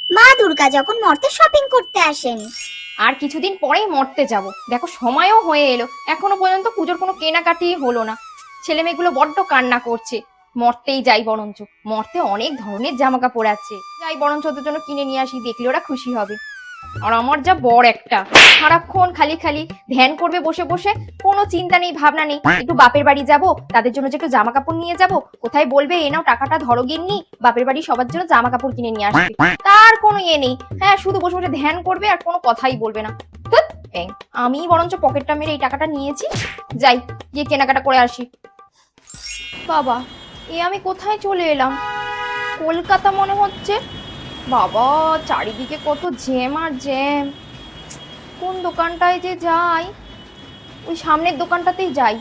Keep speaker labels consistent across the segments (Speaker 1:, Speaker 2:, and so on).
Speaker 1: মা দুর্গা যখন মর্তে শপিং করতে আসেন।
Speaker 2: আর কিছুদিন পরেই মরতে যাব। দেখো সময়ও হয়ে এলো, এখনো পর্যন্ত পুজোর কোনো কেনাকাটি হলো না। ছেলে মেয়েগুলো বড্ড কান্না করছে। মরতেই যাই বরঞ্চ, মরতে অনেক ধরনের জামা কাপড় আছে, যাই বরঞ্চ ওদের জন্য কিনে নিয়ে আসি, দেখলে ওরা খুশি হবে। আর আমার যা বড় একটা, সারাক্ষণ খালি খালি ধ্যান করবে বসে বসে, কোনো চিন্তা নেই ভাবনা নেই। একটু বাপের বাড়ি যাব, তাদের জন্য যে একটু জামা কাপড় নিয়ে যাব, কোথায় বলবে এ নাও টাকাটা ধরো গিন্নি, বাপের বাড়ি সবার জন্য জামা কাপড় কিনে নিয়ে আসবে, তার কোনো ইয়ে নেই। হ্যাঁ, শুধু বসে বসে ধ্যান করবে আর কোনো কথাই বলবে না। ধ্যাৎ, আমি বরঞ্চ পকেটটা মেরে এই টাকাটা নিয়েছি, যাই গিয়ে কেনাকাটা করে আসি। বাবা, এ আমি কোথায় চলে এলাম? কলকাতা মনে হচ্ছে। বাবা, চারিদিকে কত জ্যাম আর জ্যাম। কোন দোকানটায় যে যাই? ওই সামনের দোকানটাতেই যাই।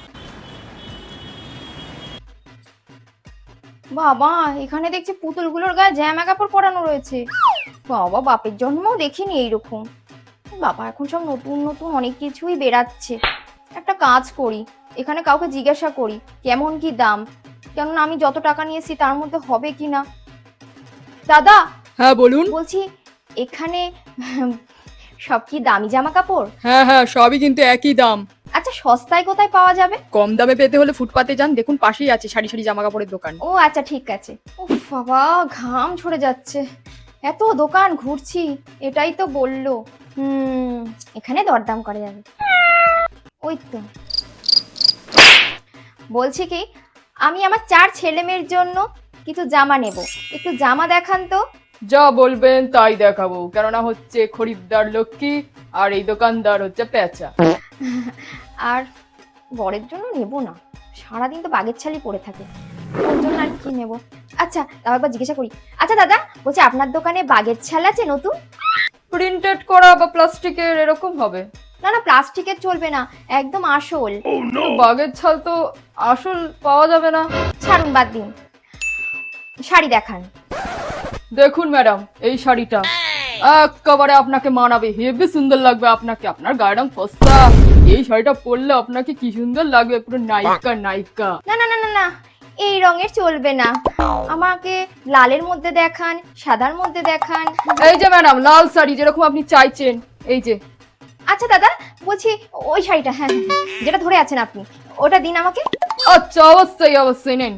Speaker 2: বাবা, এখানে দেখছি পুতুলগুলোর গায়ে জামা কাপড় পরানো রয়েছে। বাবা, বাপের জন্মও দেখিনি এইরকম। বাবা, এখন সব নতুন নতুন অনেক কিছুই বেরাচ্ছে। একটা কাজ করি, এখানে কাউকে জিজ্ঞাসা করি কেমন কি দাম, কেননা আমি যত টাকা নিয়েছি তার মধ্যে হবে কি না। দাদা,
Speaker 3: হ্যাঁ বলুন।
Speaker 2: বলছি এখানে সব কি দামি জামা কাপড়?
Speaker 3: হ্যাঁ হ্যাঁ, সবই কিন্তু একই দাম।
Speaker 2: আচ্ছা, সস্তায় কোথায় পাওয়া যাবে?
Speaker 3: কম দামে পেতে হলে ফুটপাতে যান, দেখুন পাশেই আছে সারি সারি জামা কাপড়ের দোকান।
Speaker 2: ও আচ্ছা, ঠিক আছে। উফ বাবা, ঘাম ঝরে যাচ্ছে, এত দোকান ঘুরছি। এটাই তো বললো এখানে দরদাম করা যাবে। ওই তো, বলছি কি, আমি আমার 4 ছেলে মেয়ের জন্য কিছু জামা নেব, একটু জামা দেখান তো।
Speaker 3: যা বলবেন তাই দেখাবো, কেননা হচ্ছে খরিদ্দার লক্ষ্মী আর এই দোকানদার হচ্ছে পেঁচা।
Speaker 2: আর বরের জন্য নেব না, সারাদিন তো বাগের ছালি পড়ে থাকে, ওর জন্য আর কি নেব। আচ্ছা, তাও একবার জিজ্ঞাসা করি। আচ্ছা দাদা, বলছি আপনার দোকানে বাগের ছাল আছে নতুন?
Speaker 3: প্রিন্টেড করা বা প্লাস্টিকের এরকম হবে?
Speaker 2: না না, প্লাস্টিকের চলবে না, একদম আসল।
Speaker 3: বাগের ছাল তো আসল পাওয়া যাবে না।
Speaker 2: ছাড়ুন, বাদ দিন, শাড়ি দেখান।
Speaker 3: দেখুন ম্যাডাম, এই শাড়িটা একেবারে আপনাকে মানাবে, হেবি সুন্দর লাগবে আপনাকে, আপনার গায়ের রং ফর্সা, এই শাড়িটা পরলে আপনাকে কি সুন্দর লাগবে, পুরো নায়িকা নায়িকা।
Speaker 2: না না না না না, এই রঙের চলবে না, আমাকে লালের মধ্যে দেখান, সাদার মধ্যে দেখান।
Speaker 3: এই যে ম্যাডাম, লাল শাড়ি যেরকম আপনি চাইছেন, এই যে।
Speaker 2: আচ্ছা দাদা, বলছি ওই শাড়িটা, হ্যাঁ হ্যাঁ, যেটা ধরে আছেন আপনি, ওটা দিন আমাকে।
Speaker 3: আচ্ছা, অবশ্যই অবশ্যই নেন।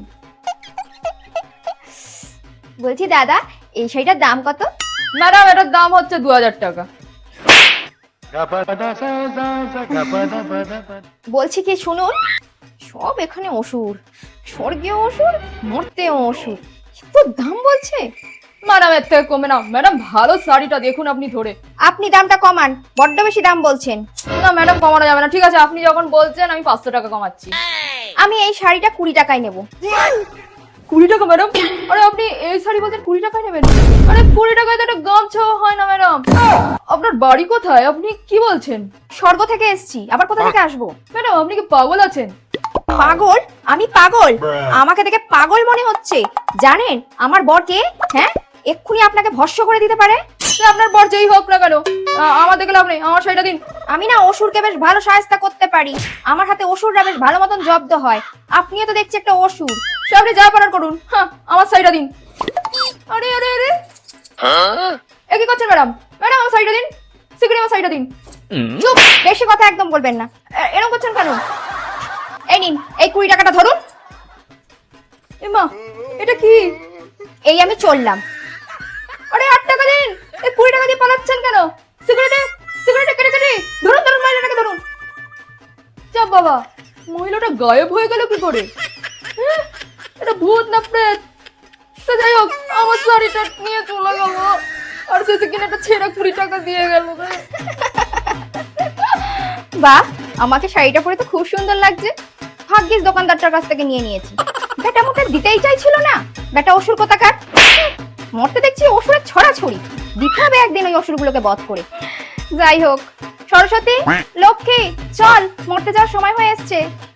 Speaker 2: বলছি দাদা, এই শাড়িটার দাম কত?
Speaker 3: ম্যাডাম, এটার দাম হচ্ছে 2000 টাকা।
Speaker 2: বলছি কি, শুনুন, সব এখানে অসুর, স্বর্গীয় অসুর, মর্তেও অসুর, এত দাম বলছে।
Speaker 3: ম্যাডাম, এর থেকে কমে না ম্যাডাম, ভালো শাড়িটা দেখুন আপনি ধরে।
Speaker 2: আপনি দামটা কমান, বড্ড বেশি দাম বলছেন।
Speaker 3: না ম্যাডাম, কমানো যাবে না। ঠিক আছে, আপনি যখন বলছেন আমি 500 টাকা কমাচ্ছি।
Speaker 2: আমি এই শাড়িটা 20 টাকায় নেব।
Speaker 3: 20 টাকা ম্যাডাম? আরে আপনি এই শাড়ি বলছেন 20 টাকায় নেবেন? আরে 20 টাকায় তো একটা গামছাও হয় না ম্যাডাম। আপনার বাড়ি কোথায়? আপনি কি বলছেন?
Speaker 2: স্বর্গ থেকে এসেছি, আবার কোথা থেকে আসবো?
Speaker 3: ম্যাডাম, আপনি কি পাগল আছেন?
Speaker 2: পাগল? আমি পাগল? আমাকে দেখে পাগল মনে হচ্ছে? জানেন আমার বর কে? হ্যাঁ, এক্ষুনি আপনাকে ভস্ম করে দিতে পারে।
Speaker 3: আপনার বর যেই হোক না কেন, আমার দেখে লাভ নেই, আমার শাড়িটা দিন।
Speaker 2: আমি না অসুরকে বেশ ভালো সাহায্য করতে পারি, আমার হাতে অসুররা বেশ ভালো মতন জব্দ হয়। আপনিও তো দেখছি একটা অসুর।
Speaker 3: সে আপনি যা পারার করুন, হ্যাঁ, আমার শাড়িটা দিন। আরে আরে আরে, এ কি করছেন ম্যাডাম? ম্যাডাম, আমার শাড়িটা দিন, সিকিউরিটি আমার শাড়িটা দিন।
Speaker 2: চুপ, বেশি কথা একদম বলবেন না। এরকম করছেন কেন? এই নিন, এই 20 টাকাটা ধরুন।
Speaker 3: এমা, এটা কি?
Speaker 2: এই আমি চললাম।
Speaker 3: আরে 8 টাকা দিন, এই 20 টাকা দিয়ে পালাচ্ছেন কেন? সিকিউরিটি, সিকিউরিটি, কেটে কেটে ধরুন ধরুন, মহিলাটাকে ধরুন। চাপ বাবা, মহিলাটা গায়েব হয়ে গেল কি করে? এটা ভূত না প্রেত? তো যাই হোক, আমার শাড়িটা নিয়ে চলে গেল, আর সে কিনে একটা ছেঁড়া 20 টাকা দিয়ে গেল।
Speaker 2: বাহ, আমাকে শাড়িটা পরে তো খুব সুন্দর লাগছে। ভাগ্যিস দোকানদারটার কাছ থেকে নিয়ে নিয়েছি। বেটা মোটে দিতেই চাইছিল না, বেটা অসুর কোথাকার। মরতে দেখছি অসুরের ছড়াছড়ি, দিতে হবে একদিন ওই অসুরগুলোকে বধ করে। যাই হোক, সরস্বতী, লক্ষ্মী, চল, মরতে যাওয়ার সময় হয়ে এসছে।